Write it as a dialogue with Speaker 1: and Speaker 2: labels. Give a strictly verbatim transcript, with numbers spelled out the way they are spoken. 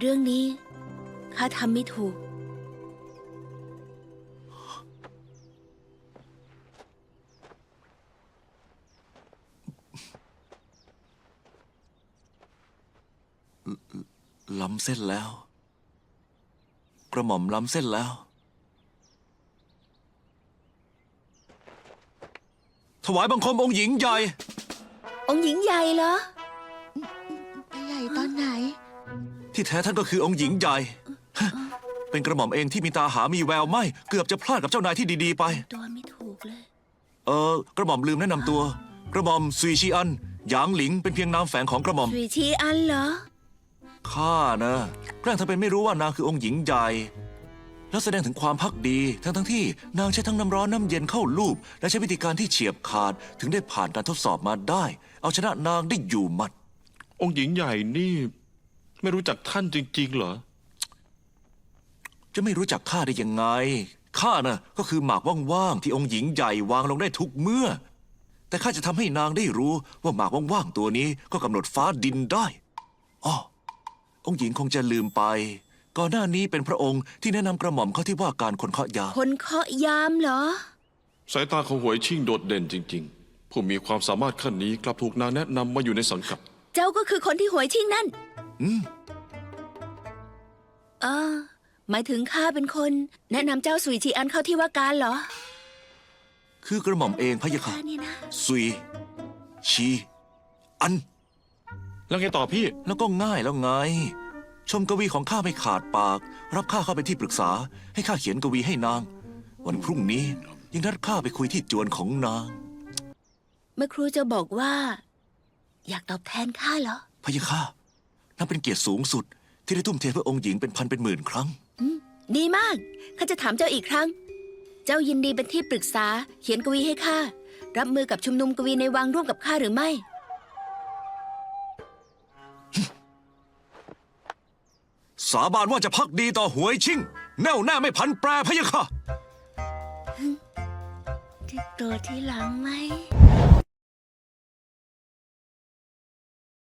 Speaker 1: รื่องนี้ข้าทำไม่ถูก
Speaker 2: ล้ำเส้นแล้ว กระหม่อมล้ำเส้นแล้ว ถวายบังคมองค์หญิงใหญ่
Speaker 1: องค์หญิงใหญ่เหรอ
Speaker 3: ใหญ่ตอนไหน
Speaker 2: ที่แท้ท่านก็คือองค์หญิงใหญ่ เป็นกระหม่อมเองที่มีตาหามีแววไม่ เกือบจะพลาดกับเจ้านายที่ดีๆไป
Speaker 1: ตัวไม่ถูกเลย
Speaker 2: เออกระหม่อมลืมแนะนำตัว กระหม่อมซุยชีอันหยางหลิงเป็นเพียงนามแฝงของกระหม่อม
Speaker 1: สุยชีอันเหรอ
Speaker 2: ข้านะแกล้งทำเป็นไม่รู้ว่านางคือองค์หญิงใหญ่ แล้วแสดงถึงความพักดี ทั้งทั้งที่นางใช้ทั้งน้ำร้อนน้ำเย็นเข้าลูบและใช้วิธีการที่เฉียบขาดถึงได้ผ่านการทดสอบมาได้ เอาชนะนางได้อยู่หมัด
Speaker 4: องค์หญิงใหญ่นี่ ไม่รู้จักท่านจริงๆเหรอ
Speaker 2: จะไม่รู้จักข้าได้ยังไง ข้าน่ะก็คือหมากว่างๆที่องค์หญิงใหญ่วางลงได้ทุกเมื่อ แต่ข้าจะทำให้นางได้รู้ว่าหมากว่างๆตัวนี้ก็กำหนดฟ้าดินได้อ้อองค์หญิงคงจะลืมไป ก่อนหน้านี้เป็นพระองค์ที่แนะนำกระหม่อมเข้าที่ว่าการคนเคาะยา
Speaker 1: คนเคาะยามเหรอ
Speaker 4: สายตาของหวยชิ่งโดดเด่นจริงๆ ผู้มีความสามารถขั้นนี้กลับถูกนางแนะนำมาอยู่ในสังกัด
Speaker 1: เจ้าก็คือคนที่หวยชิงนั่น
Speaker 2: อืม
Speaker 1: เออหมายถึงข้าเป็นคน แนะนำเจ้าสุยชีอันเข้าที่ว่าการเหรอ
Speaker 2: คือกระหม่อมเองพะยะค่ะ
Speaker 1: ข้านี่นะ
Speaker 2: ซุย ชี อัน
Speaker 4: แล้วไงต่อพี่
Speaker 2: แล้วก็ง่ายแล้วไง ชมกวีของข้าไม่ขาดปาก รับข้าเข้าเป็นที่ปรึกษา ให้ข้าเขียนกวีให้นาง วันพรุ่งนี้ยังนัดข้าไปคุยที่จวนของนาง
Speaker 1: เมื่อครูจะบอกว่า อยากตอบแทนข้าเหรอ
Speaker 2: พะยะค่ะนับเป็นเกียรติสูงสุด ที่ได้ทุ่มเทเพื่อองค์หญิงเป็นพันเป็นหมื่นครั้ง
Speaker 1: อืมดีมาก ข้าจะถามเจ้าอีกครั้ง เจ้ายินดีเป็นที่ปรึกษา เขียนกวีให้ข้า รับมือกับชุมนุมกวีในวังร่วมกับข้าหรือไม่
Speaker 2: สาบานว่าจะพักดีต่อหวยชิ่ง แน่วแน่ไม่พันแปรพะยะค่ะ
Speaker 1: ติดตัวที่หลังไหม